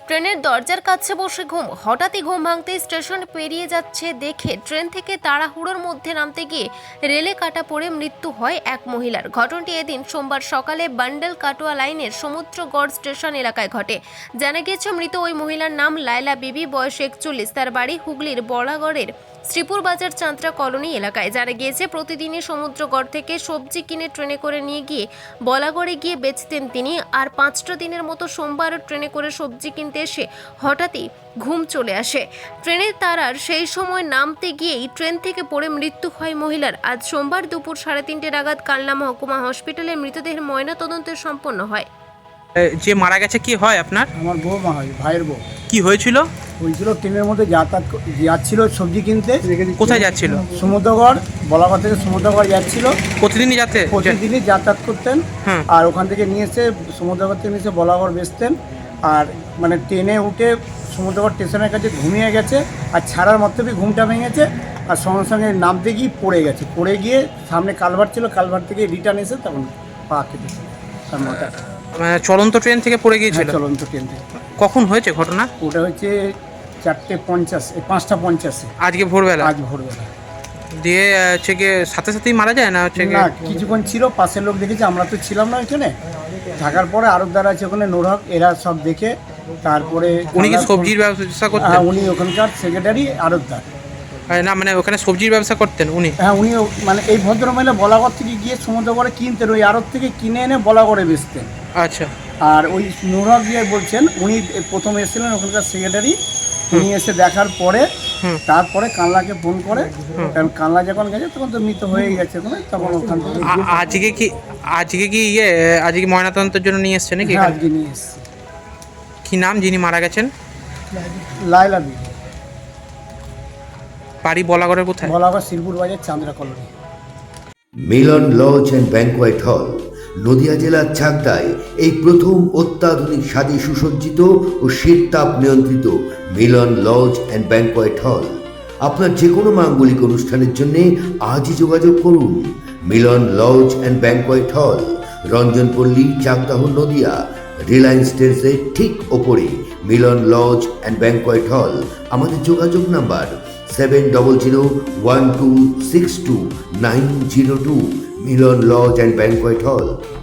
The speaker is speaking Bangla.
ট্রেনের দরজার কাছে বসে ঘুম, হঠাৎই ঘুম ভাঙতেই স্টেশন পেরিয়ে যাচ্ছে দেখে ট্রেন থেকে তাড়াহুড়োর মধ্যে নামতে গিয়ে রেলে কাটা পড়ে মৃত্যু হয় এক মহিলার। ঘটনাটি এদিন সোমবার সকালে বান্ডেল কাটোয়া লাইনের সমুদ্রগড় স্টেশন এলাকায় ঘটে। জানা গিয়েছে মৃত ওই মহিলার নাম লায়লা বিবি, বয়স 41। তার বাড়ি হুগলির বলাগড়ের শ্রীপুর বাজার চান্ত্রা কলোনি এলাকায়। জানা গিয়েছে প্রতিদিনই সমুদ্রগড় থেকে সবজি কিনে ট্রেনে করে নিয়ে গিয়ে বলাগড়ে গিয়ে বেচতেন তিনি। আর 5টা দিনের মতো সোমবারও ট্রেনে করে সবজি কিনতে এসে হঠাৎই ঘুম চলে আসে। ট্রেনের তারার সেই সময় নামতে গিয়েই ট্রেন থেকে পড়ে মৃত্যু হয় মহিলার। আজ সোমবার দুপুর 3:30 নাগাদ কালনা মহকুমা হসপিটালে মৃতদেহের ময়নাতদন্ত সম্পন্ন হয়। যে মারা গেছে কি হয় আপনার? আমার বৌমা হয়, ভাইয়ের বউ। কি হয়েছিল? হয়েছিল ট্রেনের মধ্যে যাচ্ছিল সবজি কিনতে। কোথায় যাচ্ছিল? সমুদ্রগড়, বলাগড় থেকে সমুদ্রগড় যাচ্ছিল। প্রতিদিনই যাতে প্রতিদিনই যাতায়াত করতেন। হুম। আর ওখান থেকে নিয়ে এসে সমুদ্রগড় থেকে নিয়ে এসে বলাগড় বেচতেন। আর মানে ট্রেনে উঠে সমুদ্রগড় স্টেশনের কাছে ঘুমিয়ে গেছে, আর ছাড়ার মধ্যেই ঘুমটা ভেঙেছে। আর সঙ্গে সঙ্গে নামতে গিয়ে পড়ে গেছে। পড়ে গিয়ে সামনে কালভার ছিল, কালভার থেকে রিটার্ন এসে তখন পা কেটেছে তার মাথা। মানে চলন্ত ট্রেন থেকে পড়ে গিয়েছিল? চলন্ত ট্রেন থেকে। কখন হয়েছে ঘটনা? ওটা হচ্ছে 4:50, 5:50 আজকে ভোরবেলা? আজ ভোরবেলা। দিয়ে হচ্ছে গিয়ে সাথে সাথেই মারা যায় না হচ্ছে না, কিছুক্ষণ ছিল, পাশের লোক দেখেছে, আমরা তো ছিলাম না ওইখানে। থাকার পরে আরবদার আছে ওখানে, নোরহক, এরা সব দেখে তারপরে। উনি কি সবজির ব্যবসা করতেন? হ্যাঁ, উনি ওখানকার সেক্রেটারি আরবদার। না মানে ওখানে সবজির ব্যবসা করতেন উনি? হ্যাঁ, উনি মানে এই ভদ্রমহিলা বলাগড় থেকে গিয়ে সমুদ্রগড়ে কিনতেন, ওই আড়ত থেকে কিনে এনে বলাগড়ে বেচতেন। আচ্ছা। আর ওই নোরহক গিয়ে বলছেন, উনি প্রথম এসেছিলেন ওখানকার সেক্রেটারি। উনি এসে দেখার পরে তারপরে কানলাকে ফোন করে, কারণ কানলা যখন গেছে তখন তো মৃত হয়ে গেছে ওখানে, তখন ওখান থেকে আজকে কি ময়নাতদন্তের জন্য নিয়ে এসছে নাকি? হ্যাঁ, আজকে নিয়ে এসছে। কি নাম যিনি মারা গেছেন? লায়লা বিবি, বাড়ি বলাগড়ের কোথায়? Balagarh Sripur Bazar Chandra colony. Milan lodge and banquet hall Nadia জেলার চাকদায় এই প্রথম অত্যাধুনিক স্বাদে সুসজ্জিত ও শীততাপ নিয়ন্ত্রিত মিলন লজ অ্যান্ড ব্যাংকোয়েট হল। আপনার যে কোনো মাঙ্গলিক অনুষ্ঠানের জন্য আজই যোগাযোগ করুন। মিলন লজ অ্যান্ড ব্যাংকোয়েট হল, রঞ্জনপল্লী, চাকদাহ, নদিয়া। রিলায়েন্স ট্রেন্ডসের ঠিক ওপরে মিলন লজ অ্যান্ড ব্যাংকোয়েট হল। আমাদের যোগাযোগ number 7001262902। Milan lodge and banquet হল।